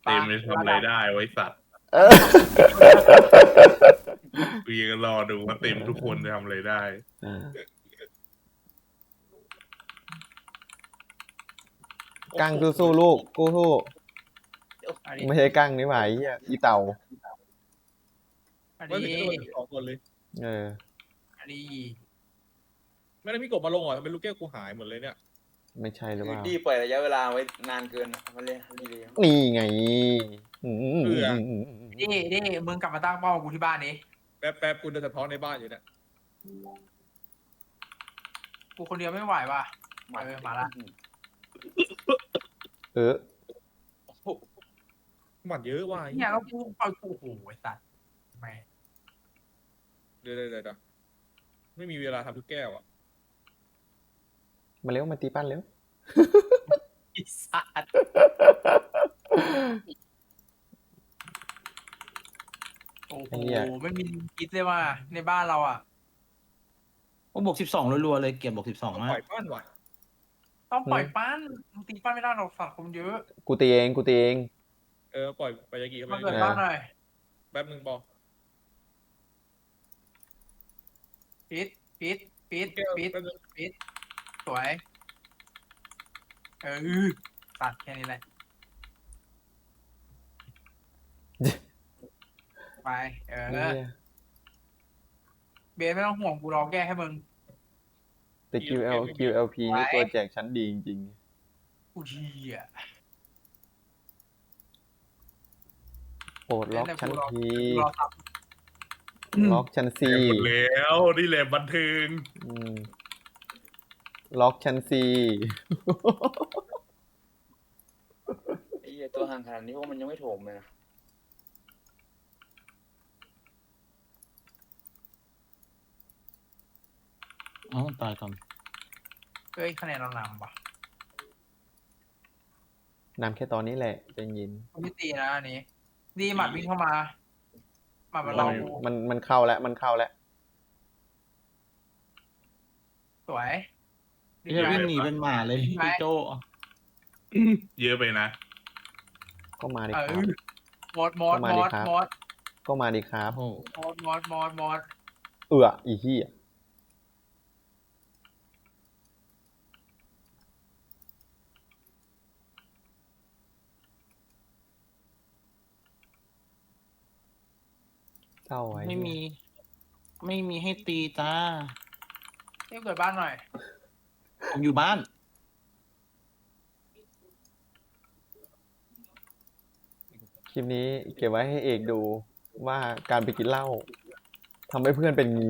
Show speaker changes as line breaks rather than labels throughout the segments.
เต็มจะทำอะไรได้ไว้สัตว์
เออ
กูยังรอดูว่าเต็มทุกคนจะทำอะไรได้
กั้งสู้ๆลูกกู้สู้
อันนี้
ไม่ใช่กั้งนี่หว่าไอ้เหี้ยอีเต่า
อัน
ไม่
นี้
ถึงโดนสองคนเลย
เออ
อันนี้
ไม่ได้มีกบมาลงเหรอทำไมลูกแก้วกูหายหมดเลยเนี่ย
ไม่ใช่หรือเปล่า
ดีปล่อยระยะเวลาไว้นานเกินมันเลยดีเลย
นี่ไงอืม
นี่มึงกลับมาตั้งเป้ากูที่บ้านนี้
แป๊บกูเดินสะท้อนในบ้านอยู่เนี่ย
กูคนเดียวไม่ไหวว่ะมาละ
เออ
หมัดเยอะว่ะ
เนี่ยก็กูปล่อยกูโอ้โหไอ้สัตว์แม่
เดี๋ยวไม่มีเวลาทำทุกแก้วอ่ะ
มาเร็วมาตีปั้นเร็ว
ไอ้สัตว์โอ้โหไม่มีคิดเลยว่าในบ้านเราอ่ะ
ก็บวก12รัวๆเลยเกียรติบวก12
ต้อง
มา
ป
ก
ล่อยบ้านว่ะ
ต้องปล่อยปั้นมึงตีปั้นไม่ได้หรอกสัตว์คนเยอะ
กูตีเองกูตีเอง
ปล่อยไปยากิเข้าไป
มาเกิดบ้านหน่อย
แป๊บนึงบอก
ปิด
แก้ว
ปิด
แป๊บนึง
สวยตัดแค่นี้แหละไปเบสไม่ต้องห่วงกูรอแก้ให้มึง
แต่ QLP นี่ตัวแจกชั้นดีจริง
กูเชี่ย
ๆโปรดล็อกชั้นที
รอสับ
ล็อกชั้นซี
หมดแล้วนี่แหละบันเทิง
ล็อกชั้นซี
ไอ้ตัวห่างขนาดนี้ว่ามันยังไม่โถมเลยนะ
อ๋อตายก่อน
เฮ้ยคะแนนเรานำว่ะ
นำแค่ตอนนี้แหละใจเย็น
กูไม่ตีนะอันนี้ดีหมัดวิ่งเข้ามาหมัดมันลองกู
มันเข้าแล้วมันเข้าแล้ว
สวย
พี่จะวิ่งหนีเป็นหมาเลยพี่โจ
เยอะไปนะ
ก็มาดิครับ
หมด
ก็มาดิครับ
โอ้
หมด
อีเหี้ยเศร้าไว้
ไม่มีให้ตีจ้า
เที่ยวเกิดบ้านหน่อย
ผมอยู่บ้าน
คลิปนี้เก็บไว้ให้เอกดูว่าการไปกินเหล้าทำให้เพื่อนเป็นงี้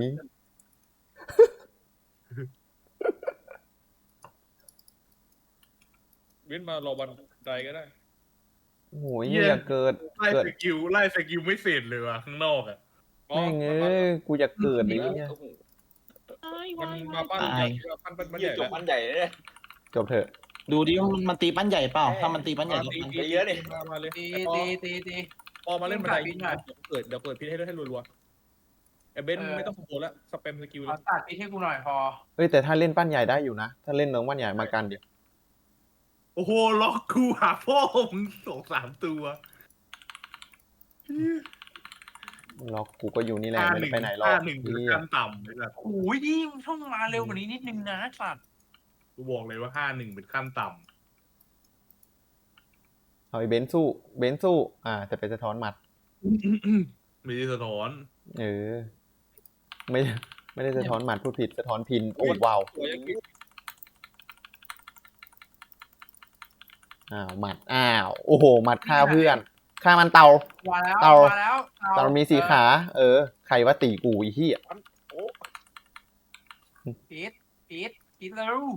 เว้นมารอบันไดก็ได้
โอ้โหอย่าเกิด
ไล่สกิลไม่เสร็จเลยว่ะข้างนอกอ่ะ
แม่งเอ้ยกูอยากเกิดเลยเนี่ย
มันมาบ้าน
ตาย
บ้านใหญ่
จบมันใหญ่เลย
จบเถอะ
ดูดิว่ามันตีปั้นใหญ่เปล่า ถ้ามันตีปั้นใหญ่ก็
ไปเยอะดิ
มาเลย
ตี
พอมาเล่นบันได
วิ่งหน่อย
เดี๋ยวเปิดพิษให้รัวๆไอ้เบนไม่ต้องโผล่แล้วสเปมสกิลเล
เอา
ย
ตัดพี่ให้กูหน่อยพอ
เฮ้ยแต่ถ้าเล่นปั้นใหญ่ได้อยู่นะ ถ้าเล่นน้องปั้นใหญ่มากันเดี๋ยว
โอ้โหล็อกกูหาพ่อมึง2-3 ตัว
ล็อกกูก็อยู่นี่แหละไม่ได้ไปไหนหรอก
5-1เป็น
เหี้ย
ขั้นต่ำเลยนะ
โอ้ยดิมึงต้องมาเร็วกว่านี้นิดนึงนะสัตว์
กูบอกเลยว่า5-1เป็นขั้นต่
เอาไอ้เบนซ์สู้แต่ไปสะท้อนหมัด
ำไม่ได้สะท้อน
เออ ไม่ได้สะท้อนหมัดพูดผิดสะท้อนพินโอ้ว้าว
สวยอย่างนี้
หมัดโอ้โหหมัดฆ่าเพื่อนฆ่ามันเตา
มาแล้ว
เตา
มาแล้ว
เตามี4 ขา ใครว่าตีกูอีเหี้ย
ปิดเร็ว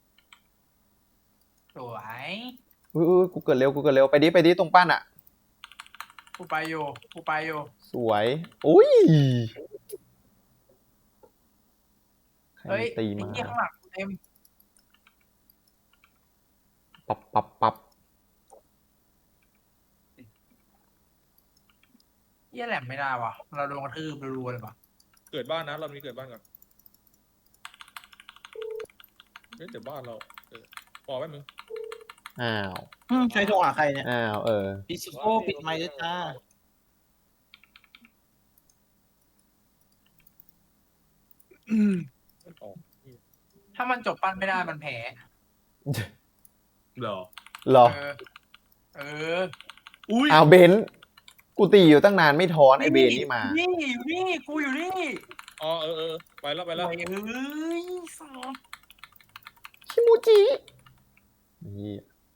สวย
อุ้ยกูเกิดเร็วไปดิตรงปั้นอ่ะ
กูไปอยู่
สวยอุ้ยใคร
เฮ้ย
ตี
ไอ้
มา
เหี้ยข้างหลังกูเต็ม
ปับ
เหี้ยแหลมไม่ได้ว่ะเราโดนกระทืบรัวๆเลยว่ะ
เกิดบ้านนะเรามีเกิดบ้านก่อนเดี๋ยวบ้านเราพอแป๊บนึง
อ้าว
ใช้โทรหาใครเนี่ย
อ้าว
ปิดโอปิดไมค์ด้วยจ้า
มันออก
ถ้ามันจบปั้นไม่ได้มันแพ้
เหรอ
เหรอ
เออ
อุ้ย
อ้าวเบนซ์กูตีอยู่ตั้งนานไม่ถอนไอเบนนี่มา
นี่อยู่นี่กูอยู่นี่
อ๋อไปแล้วไปแล้ว
โอ้ยเอ้ยสอบ
คิมูจินี่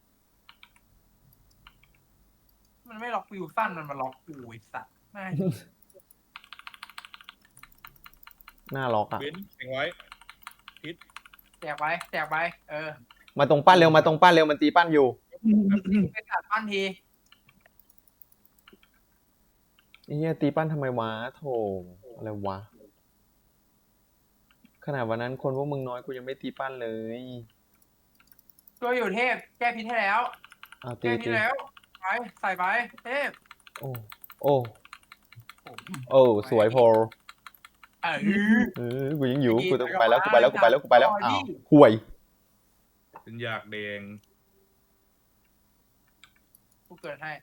มันไม่ล็อกวิวสั้นมันมาล็อกกูไอ้สัตว์ไม่
น่าล็อกอ่ะ
เบนแข่งไว้
แจกไปแจกไป
มาตรงปั้นเร็วมาตรงปั้นเร็วมันตีปั้นอยู่
ไปตัดปั้นที
ไอ้เหี้ยตีปั้นทำไมวะโถอะไรวะขนาดวันนั้นคนพวกมึงน้อยกูยังไม่ตีปั้นเลย
ตัวอยู่เทพแก้พิษให้แล้ว
อ้าวตี
แก้พิษ
ตี
แล้วไปใส่ไปเทพ
โอ้โอ้โอ้สวยโพล กูยังอยู่กูต้องไปแล้วกูไปแล้วกูไปแล้วกูไปแล้วอ้าวห่วย
เป็นอยากแดง
กูเกิดให้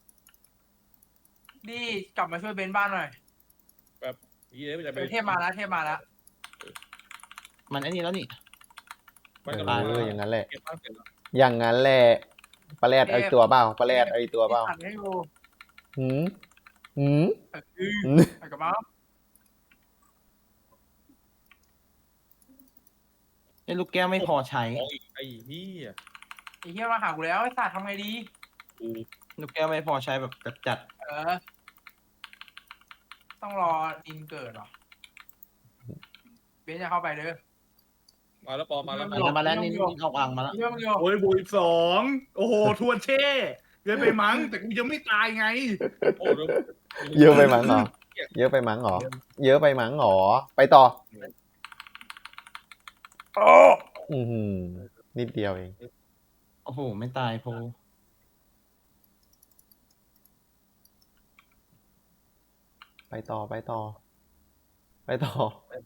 ดีกลับมาช่วยเบนบ้านหน่อย
ยี่เอ๊ะจะไป
เทพมาแล้วเทพมาแล้ว
มันไอ้นี่แล้วนี่
มันกำลัง
อย่างนั้นแหละ
เก็บบ้านเสร็จแล้ว
อย่างนั้นแหละปลาแรดไอตัวเปล่าปลาแรดไอตัวเปล่า
ตัดให้ดู
หืมหืม
ไปกับมา
ไอ้ลูกแก้วไม่พอใช้
ของอีกไอ้เหี้ย
ไอ้เหี้ยมาหากูแล้วไอ้สัตว์ทำไงดี
กู
ลูกแก้วไม่พอใช้แบบจัด
ต้องรอดินเกิดเหรอเบนจะเข้าไปเด้อ
มาแล้วปอมาแล้ว
ๆมาแล้วนี่ออกอ่างมาแล้ว
เรื่องเดียว
โอ้ยบุยสองโอ้โหทวนเช่เกินไปมั้ง แต่กูยังไม่ตายไง
โอ้โห
เยอะไปมั้งเหรอเยอะไปมั้งเหรอเยอะไปมั้งเหรอไปต่ออือหือนิดเดียวเอง
โอ้โห ไม่ตายโพ
ไปต่อไปต่อ ไปต่อ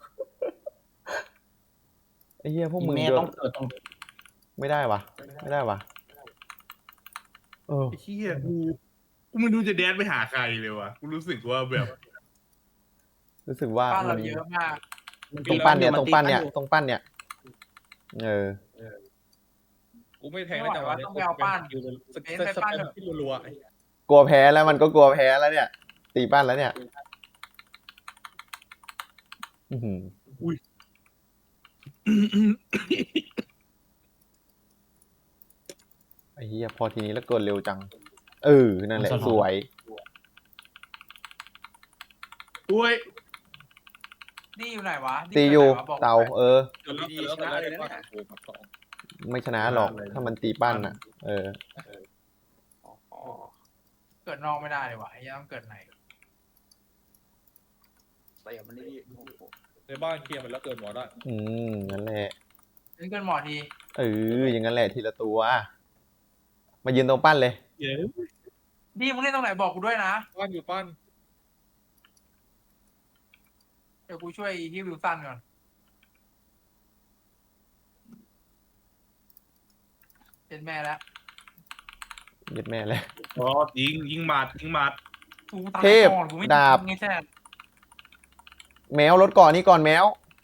ไอ้เหี้ยพวกมึง
แม่
เยอะ
ต้องเกิดตรง
ไม่ได้วะไม่ได้วะเออ
ไอ้เหี้ยกูไม่รู้จะแดนไปหาใครเลยวะกูรู้สึกว่าแบบ
รู้สึกว่า
บ้าน
มั
เรา
น
เยอะมาก
ตรงปั้นเนี่ยตรงปั้นเนี่ยตรงปั้นเนี่ย
กูไม่แทงได้จังหวะนี้สแปมที่รัว
กลัวแพ้แล้วมันก็กลัวแพ้แล้วเนี่ย ตีปั้นแล้วเนี่ยอื้อหือไอ้เหี้ยพอทีนี้แล้วเกินเร็วจังนั่นแหละสวย
อุ้ย
ดีอยู่ไหนวะ
ตีอยู่
ไหนวะบอก
เตา
ไป
ๆจนดีชนะเลยนะโอ้โหสอง
ไม่ชนะหรอกถ้ามันตีปั้นอ่ะ
เกิดนอกไม่ได้เลยวะไอ้เหี้ยังต้องเกิดไหน
ใส่มันนี่โอ้โห
ในบ้านเคลียร์มันแล้วเกินหมอได้
งั้นแหละ
เล่นเกินหมอที
อย่างนั้นแหละทีละตัว มายืนตรงปั้นเลย
เย้
ดีมึงเล่นตรงไหนบอกกูด้วยนะ
บ้านอยู่ปั้น
เดี๋ยวกูช่วยที่วิวสันก่อนเป็นแม่แล้ว
ยึดแม่เลย
อ๋อยิงหมัดยิงหมัด
กูตาย
เทพ
ก่อนกูไม่
ดาบ
ไงแท้
แมวรถก่อนนี่ก่อนแมว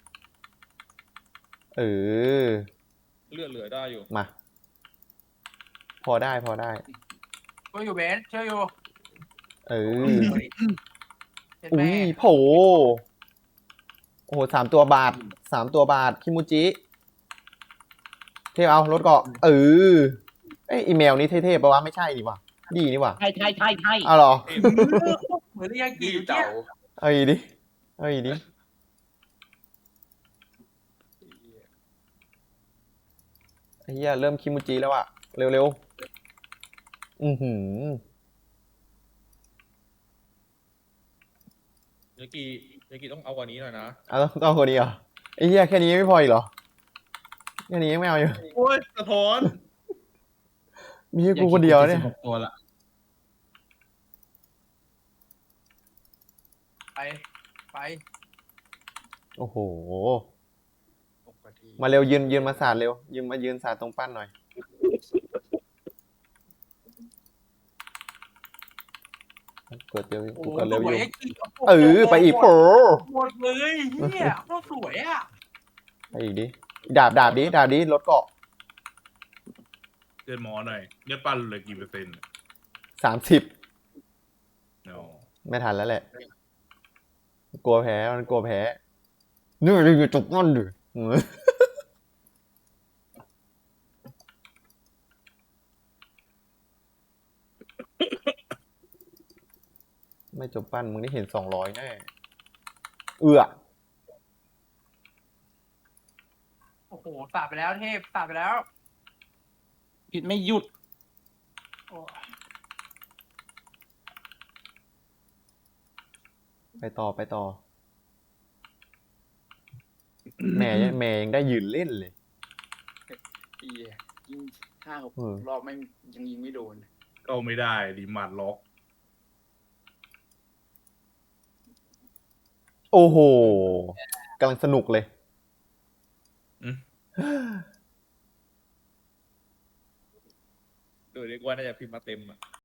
เลือดเหลือได้อยู่
มา พอได้
ช่วยอยู่เบนช่วยอยู่
เป็น
แม่
โผโอ้โห3 ตัวบาท3 ตัวบาทคิมูจิเทพเอารถเกาะอีเมลนี้เท่ๆปะวะไม่ใช่นี่วะดีนี่วะ
ใช่
เอาเหรอ
เหมือนเรียก
ดี
กี่
เต่า
เอาอีกดิไอ้เหี้ยเริ่มคิมูจิแล้วอะเร็วๆ
ยากิต้องเอากว่านี้หน่อยนะ
เอาต้องคนนี้เหรอไอ้เหี้ยแค่นี้ไม่พออีกเหรอแค่นี้ยังไม่เอาอยู่
โอ้ยสะท้อน
มีแค่กูคนเดียวเนี่ย
16ตัวละ
ไป
โอ้โห
6 นาที
มาเร็วยืนมาสาดเร็วยืนสาดตรงปั้นหน่อยกดเร็ว
โอ้
กู
โห
กดเร็ว
ส
อ
วย
ยู่
ไอ้กิ๊ก
เออไปอีกโผ
หมดเลยเฮียโคตรสวยอ่ะ
ไปอีกดิดาบดิรถเกาะ
เดินหมอหน่อยเลือดปั้นเหลยกี่เปอร์เซ็นต์
30
เนาะ
ไม่ทันแล้วแหละ กลัวแพ้มันกลัวแพ้เนื้อเลยจบนั่นดิไม่จบปั้นมึงได้เห็น200แน่เอื้อ
โอ้โหสาดไปแล้วเทพสาดไปแล้ว
ผิดไม่หยุด
โอ้
ไปต่อแม่ยังได้ยืนเล่นเลย
เหี้ยยิง5-6
เออ
รอบแม่งยังยิงไม่โดน
ก็ไม่ได้ดีหมัดล็อก
โอ้โหกำลังสนุกเลย
เดี๋ยวเรียกว่าน่าจะพิมพ์มาเต็มอ่ะ